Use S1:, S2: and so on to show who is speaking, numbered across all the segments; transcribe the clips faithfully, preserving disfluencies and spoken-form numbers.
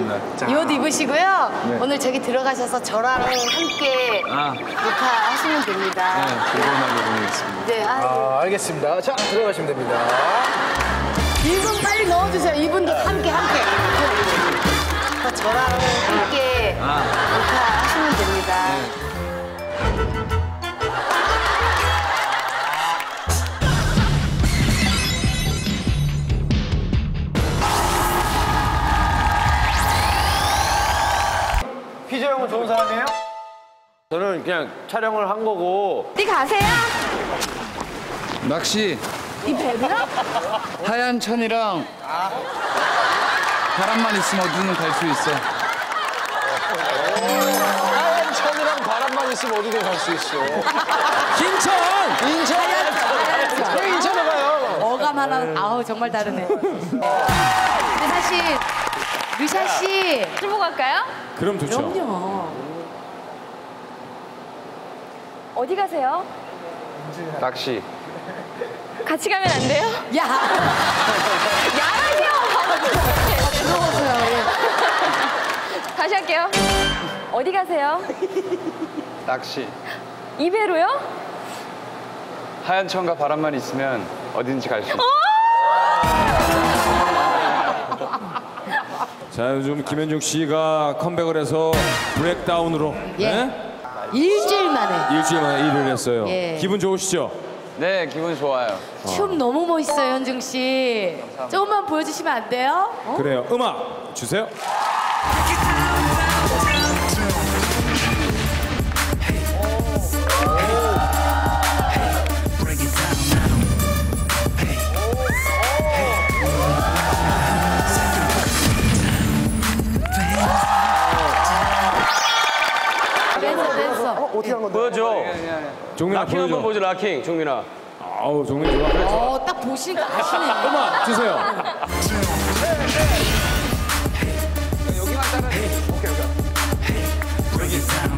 S1: 알겠습니다. 자.
S2: 이 옷 입으시고요.
S1: 네.
S2: 오늘 저기 들어가셔서 저랑 함께
S1: 아.
S2: 녹화하시면 됩니다.
S1: 네, 즐거운 하루 보내겠습니다.
S2: 네, 아,
S3: 아, 알겠습니다. 자, 들어가시면 됩니다.
S2: 이 분 빨리 넣어주세요. 이분도 함께, 함께. 저랑 함께
S1: 아.
S2: 녹화하시면 됩니다.
S1: 네.
S3: 피저 형은 좋은 사람이에요?
S4: 저는 그냥 촬영을 한 거고.
S5: 어디 가세요?
S1: 낚시
S2: 이 배구요?
S1: 하얀 천이랑 바람만 있으면 어디든 갈 수 있어.
S3: 하얀 천이랑 바람만 있으면 어디든 갈 수 있어.
S1: 김천!
S3: 인천! 왜 인천에 가요?
S2: 어감 하나, 아우, 정말 다르네. 근데 사실, 르샤 씨.
S5: 술 보고 갈까요?
S1: 그럼 좋죠.
S2: 그럼요.
S5: 어디 가세요?
S4: 낚시.
S5: 같이 가면 안 돼요?
S2: 야!
S5: 야라죠!
S2: 부러워서요. 예.
S5: 다시 할게요. 어디 가세요?
S4: 낚시.
S5: 이 배로요?
S4: 하얀 천과 바람만 있으면 어딘지 갈 수 있어.
S6: 자, 요즘 김현중 씨가 컴백을 해서 브렉다운으로
S2: 예.
S6: 네?
S2: 일주일 만에.
S6: 일주일 만에 일을 했어요.
S2: 예.
S6: 기분 좋으시죠?
S4: 네, 기분 좋아요.
S2: 춤 너무 멋있어요, 현중 씨. 조금만 보여주시면 안 돼요? 어?
S6: 그래요. 음악 주세요.
S2: 댄서, 댄서.
S3: 어떻게 한 건데?
S4: 보여줘.
S6: 종민아
S4: 락킹 한번
S6: 보여줘.
S4: 보여줘, 락킹. 종민아.
S6: 아우, 종민 좋아. 그래.
S2: 어, 딱 보시니까 아시네.
S6: 음악 주세요.
S4: 여기만 따라. 오케이, 오케이.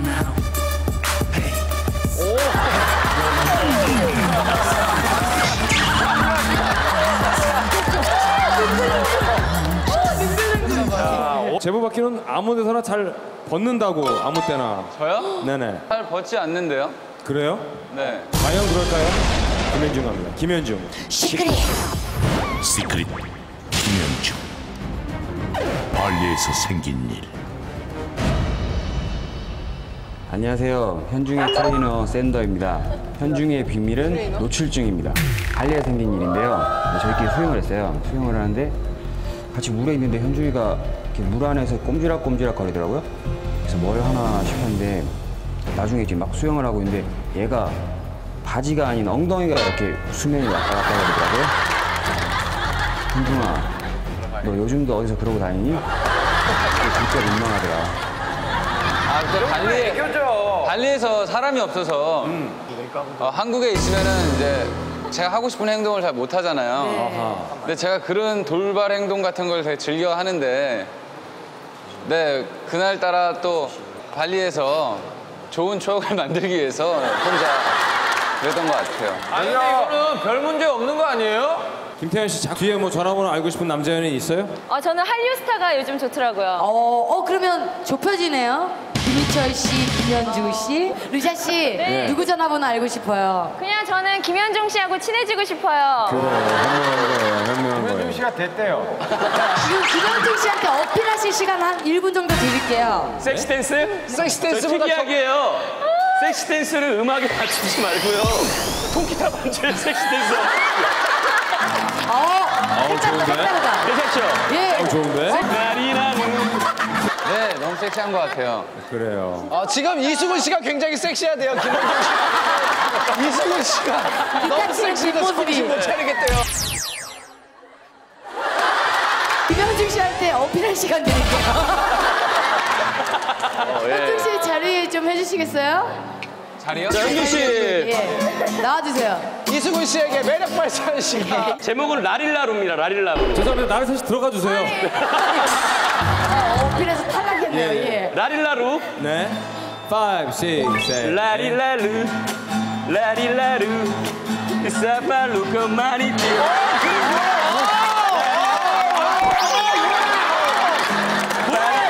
S6: 제보받기는 아무 데서나 잘 벗는다고, 아무 때나.
S4: 저요?
S6: 네네.
S4: 잘 벗지 않는데요?
S6: 그래요?
S4: 네.
S6: 과연 그럴까요? 김현중 갑니다. 김현중.
S2: 시크릿.
S7: 시크릿 김현중. 발리에서 생긴 일.
S8: 안녕하세요. 현중의 트레이너 샌더입니다. 현중의 비밀은 노출증입니다. 발리에 생긴 일인데요. 저희끼리 수영을 했어요. 수영을 하는데 같이 물에 있는데 현중이가 이렇게 물 안에서 꼼지락꼼지락 거리더라고요. 그래서 뭘 하나 싶었는데 나중에 이제 막 수영을 하고 있는데 얘가 바지가 아닌 엉덩이가 이렇게 수면이 왔다 갔다 거리더라고요. 현중아, 너 요즘도 어디서 그러고 다니니? 진짜 민망하더라.
S4: 아, 근데 발리, 발리에서 사람이 없어서 어, 한국에 있으면은 이제 제가 하고 싶은 행동을 잘 못 하잖아요.
S2: 네.
S4: 근데 제가 그런 돌발 행동 같은 걸 되게 즐겨 하는데, 네, 그날따라 또 발리에서 좋은 추억을 만들기 위해서 혼자 그랬던 것 같아요.
S9: 아니, 근데 이거는 별 문제 없는 거 아니에요?
S6: 김태현 씨, 작 뒤에 뭐 전화번호 알고 싶은 남자 연예인 있어요?
S5: 어, 저는 한류스타가 요즘 좋더라고요.
S2: 어, 어, 그러면 좁혀지네요. 김희철 씨, 김현중 씨, 르샤 씨,
S5: 네.
S2: 누구 전화번호 알고 싶어요?
S5: 그냥 저는 김현중 씨하고 친해지고 싶어요.
S6: 그래, 현명한 거예요, 현명한 거예요.
S3: 현중 씨가 됐대요.
S2: 지금 김현중 씨한테 어필하실 시간 한 일 분 정도 드릴게요.
S9: 섹시 댄스?
S3: 섹시
S9: 저
S3: 댄스보다
S9: 특이하게요. 섹시 댄스를 음악에 맞추지 말고요. 통기타 반주의 섹시 댄스.
S2: 어,
S6: 아우,
S2: 색다르다,
S6: 좋은데?
S2: 색다르다.
S9: 괜찮죠?
S2: 예.
S6: 어, 좋은데?
S9: 나리나는.
S4: 네, 너무 섹시한 것 같아요.
S6: 그래요.
S3: 아, 지금 이수근 씨가 굉장히 섹시하대요, 김현중 씨. 이수근 씨가 너무 섹시해서
S2: 뒷모습이.
S3: 정신 못 차리겠대요.
S2: 김현중 씨한테 어필할 시간 드릴게요.
S9: 어, 예.
S2: 현중 씨 자리 좀 해주시겠어요?
S4: 자리요?
S9: 자, 현중 씨.
S2: 예. 나와주세요.
S3: 이수근 씨에게 매력 발산 시간.
S9: 제목은 라릴라루입니다, 라릴라루.
S6: 죄송합니다. 나를 셋이 들어가 주세요.
S2: 어, 어필해서 탈락했네요. 예.
S9: 라릴라루.
S6: 네. five, six, seven.
S9: 라릴라루. 라릴라루. 사팔루커 많이 뛰어.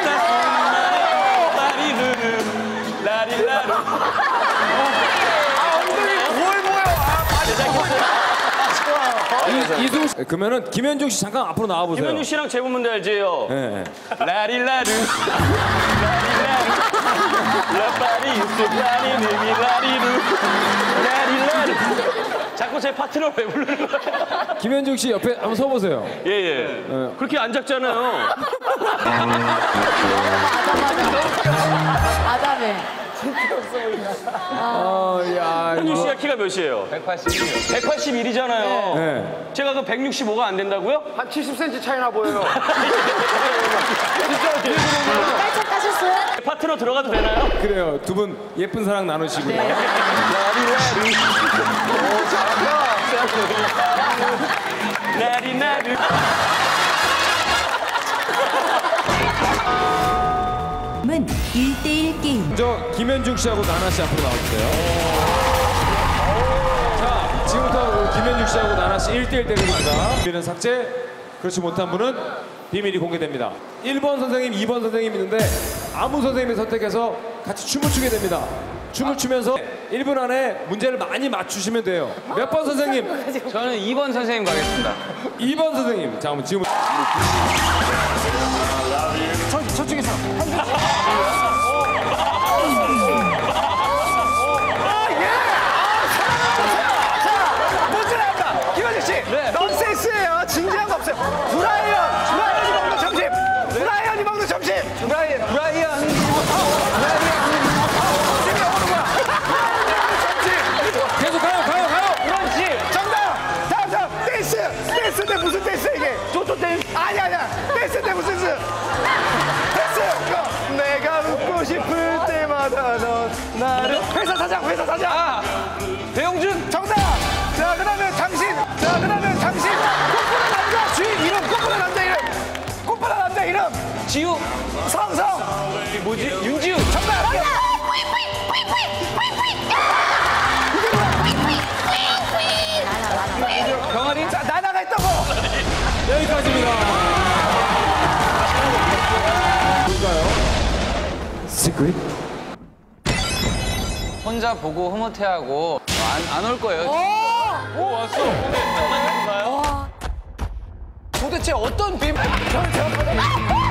S6: 이- 이승우 씨. 그러면은 김현중 씨 잠깐 앞으로 나와 보세요.
S9: 김현중 씨랑 제목 문제 알지요?
S6: 예. 예.
S9: 라리라루 라리라루 라파리 라리 느미 라리루 라리라루 자꾸 제 파트너 왜 부르는 거야?
S6: 김현중 씨 옆에 한번 서 보세요.
S9: 예예. 그렇게 안 작잖아요.
S2: 아담해.
S6: 어, 야,
S9: 현중
S6: 이거.
S9: 씨가 키가 몇이에요?
S4: 백팔십이요.
S9: 백팔십일이잖아요.
S6: 네.
S9: 제가 그 백육십오가 안 된다고요?
S3: 한 칠십 센티미터 차이나 보여요.
S2: 깔짝 까셨어요?
S9: 파트너 들어가도 되나요?
S6: 그래요. 두 분 예쁜 사랑 나누시고요.
S9: 라리라루
S10: 은 일 대일 게임.
S6: 먼저 김현중 씨하고 나나 씨 앞으로 나와주세요. 자, 지금부터 김현중 씨하고 나나 씨 일 대일 대결입니다. 비밀은 삭제, 그렇지 못한 분은 비밀이 공개됩니다. 일 번 선생님, 이 번 선생님 있는데 아무 선생님을 선택해서 같이 춤을 추게 됩니다. 춤을 추면서 일 분 안에 문제를 많이 맞추시면 돼요. 몇 번 선생님?
S4: 저는 이 번 선생님 가겠습니다.
S6: 이 번 선생님. 자, 그럼 지금
S3: 저쪽에서. 문제 나왔다. 김현중 씨. 넌센스예요. 진지한 거 없어요. 브라이언. 브라이언이 먹는 점심. 브라이언이 먹는 점심. 브라이언. 브라이언.
S6: 계속 가요, 가요, 가요.
S3: 그렇지. 정답. 다음 다음. 댄스. 댄스인데 무슨 댄스 이게? 조조 댄스. 아니 아니야. 댄스인데 무슨 댄스? 댄스. 이거. 내가 웃고 싶을 때마다 넌 나를. 회사 사장. 회사 사장. 아.
S4: 배용준!
S3: 정답. 자 그다음에 당신. 자 그다음에 당신. 꽃보다 남자 주인 이름. 꽃보다 남자 이름. 꽃보다 남자 이름.
S4: 지우!
S3: 성성.
S4: 뭐지? 윤지우!
S3: 정답.
S4: 병아리?
S3: 자 나나가 있다고.
S6: 여기까지입니다. 뭘까요? 시크릿?
S4: 혼자 보고 흐뭇해하고 안 올 거예요.
S3: 오 왔어. 도대체 어떤 비밀?